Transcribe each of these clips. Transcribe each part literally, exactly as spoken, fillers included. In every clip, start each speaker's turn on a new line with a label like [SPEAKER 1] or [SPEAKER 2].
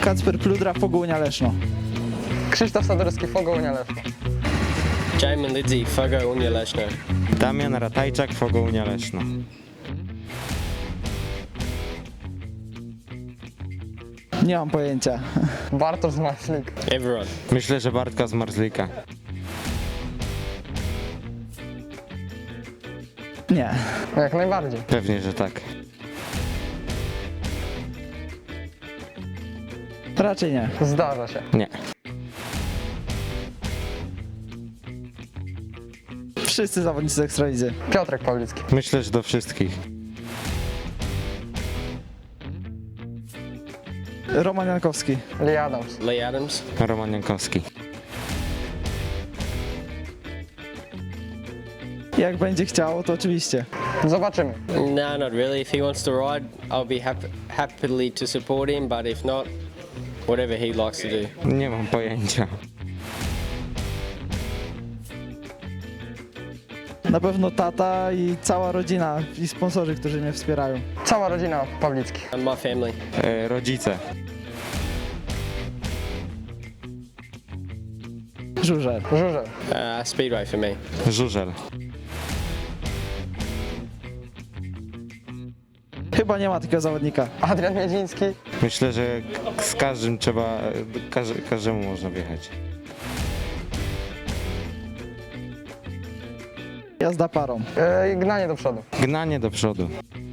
[SPEAKER 1] Kacper Pludra, Fogołunia Leszno.
[SPEAKER 2] Krzysztof Sadorski, Fogołunia Leszno.
[SPEAKER 3] Jamin Lidzi, Fogołunia Leszno.
[SPEAKER 4] Damian Ratajczak, Fogołunia Leszno.
[SPEAKER 1] Nie mam pojęcia.
[SPEAKER 2] Bartosz Zmarzlik.
[SPEAKER 3] Everyone.
[SPEAKER 4] Myślę, że Bartka z Marzlika.
[SPEAKER 1] Nie.
[SPEAKER 2] Jak najbardziej.
[SPEAKER 4] Pewnie, że tak.
[SPEAKER 1] Raczej nie.
[SPEAKER 2] Zdarza się.
[SPEAKER 4] Nie.
[SPEAKER 1] Wszyscy zawodnicy z Ekstralidzy.
[SPEAKER 2] Piotrek Pawlicki.
[SPEAKER 4] Myślę, że do wszystkich.
[SPEAKER 1] Roman Jankowski.
[SPEAKER 2] Lee Adams.
[SPEAKER 3] Lee Adams.
[SPEAKER 4] Roman Jankowski.
[SPEAKER 1] Jak będzie chciał, to oczywiście.
[SPEAKER 2] Zobaczymy.
[SPEAKER 3] No, not really. If he wants to ride, I'll be happy, happily to support him, but if not, whatever he likes to do.
[SPEAKER 4] Nie mam pojęcia.
[SPEAKER 1] Na pewno tata i cała rodzina i sponsorzy, którzy mnie wspierają.
[SPEAKER 2] Cała rodzina Pawlicki.
[SPEAKER 3] And my family.
[SPEAKER 4] E, rodzice.
[SPEAKER 1] Żurzel.
[SPEAKER 2] Żurzel.
[SPEAKER 3] Uh, speedway for me.
[SPEAKER 4] Żurzel.
[SPEAKER 1] Chyba nie ma takiego zawodnika.
[SPEAKER 2] Adrian Miedziński.
[SPEAKER 4] Myślę, że z każdym trzeba, każe, każdemu można wjechać.
[SPEAKER 1] Jazda parą.
[SPEAKER 2] Yy, gnanie do przodu.
[SPEAKER 4] Gnanie do przodu.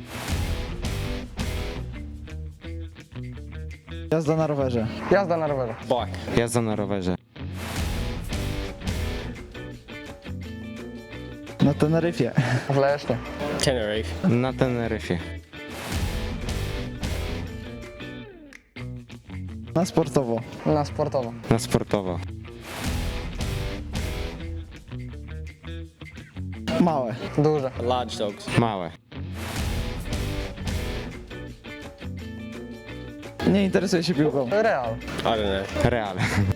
[SPEAKER 1] Jazda na rowerze.
[SPEAKER 2] Jazda na rowerze.
[SPEAKER 3] Bike.
[SPEAKER 4] Jazda na rowerze.
[SPEAKER 1] Na Teneryfie.
[SPEAKER 2] W Lesznie.
[SPEAKER 3] Tenerife.
[SPEAKER 4] Na Teneryfie.
[SPEAKER 1] Na sportowo.
[SPEAKER 2] Na sportowo.
[SPEAKER 4] Na sportowo.
[SPEAKER 1] Małe.
[SPEAKER 2] Duże.
[SPEAKER 3] Large dogs.
[SPEAKER 4] Małe.
[SPEAKER 1] Nie interesuje się piłką.
[SPEAKER 2] Real.
[SPEAKER 3] I don't know.
[SPEAKER 4] Real.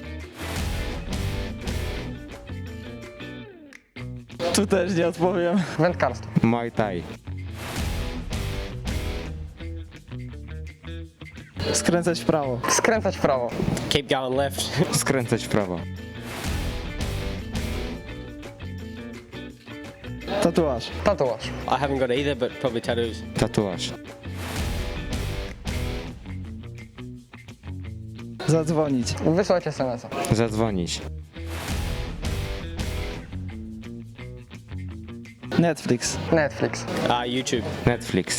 [SPEAKER 1] Tu też nie odpowiem.
[SPEAKER 2] Wędkarstwo.
[SPEAKER 4] Muay Thai.
[SPEAKER 1] Skręcać w prawo.
[SPEAKER 2] Skręcać w prawo.
[SPEAKER 3] Keep going left.
[SPEAKER 4] Skręcać w prawo.
[SPEAKER 1] Tatuaż.
[SPEAKER 2] Tatuaż.
[SPEAKER 3] I haven't got either, but probably tattoos.
[SPEAKER 4] Tatuaż.
[SPEAKER 1] Zadzwonić.
[SPEAKER 2] Wysłać es em es a.
[SPEAKER 4] Zadzwonić.
[SPEAKER 1] Netflix.
[SPEAKER 2] Netflix.
[SPEAKER 3] Uh, YouTube.
[SPEAKER 4] Netflix.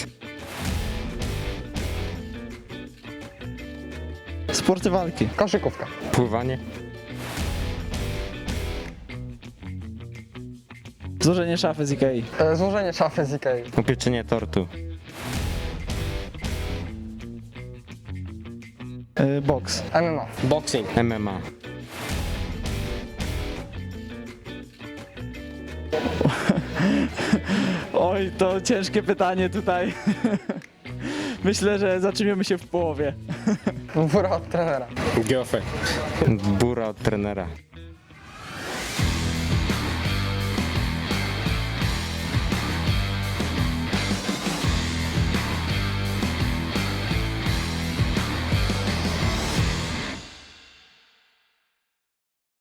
[SPEAKER 1] Sporty walki.
[SPEAKER 2] Koszykówka.
[SPEAKER 4] Pływanie.
[SPEAKER 1] Złożenie szafy z Ikei.
[SPEAKER 2] Yy, złożenie szafy z Ikei.
[SPEAKER 4] Upieczenie tortu.
[SPEAKER 1] Yy, boks.
[SPEAKER 2] em em a.
[SPEAKER 3] Boxing.
[SPEAKER 4] M M A.
[SPEAKER 1] Oj, to ciężkie pytanie tutaj. Myślę, że zatrzymiemy się w połowie.
[SPEAKER 2] Wóra od trenera.
[SPEAKER 3] Girlfriend.
[SPEAKER 4] Bura od trenera.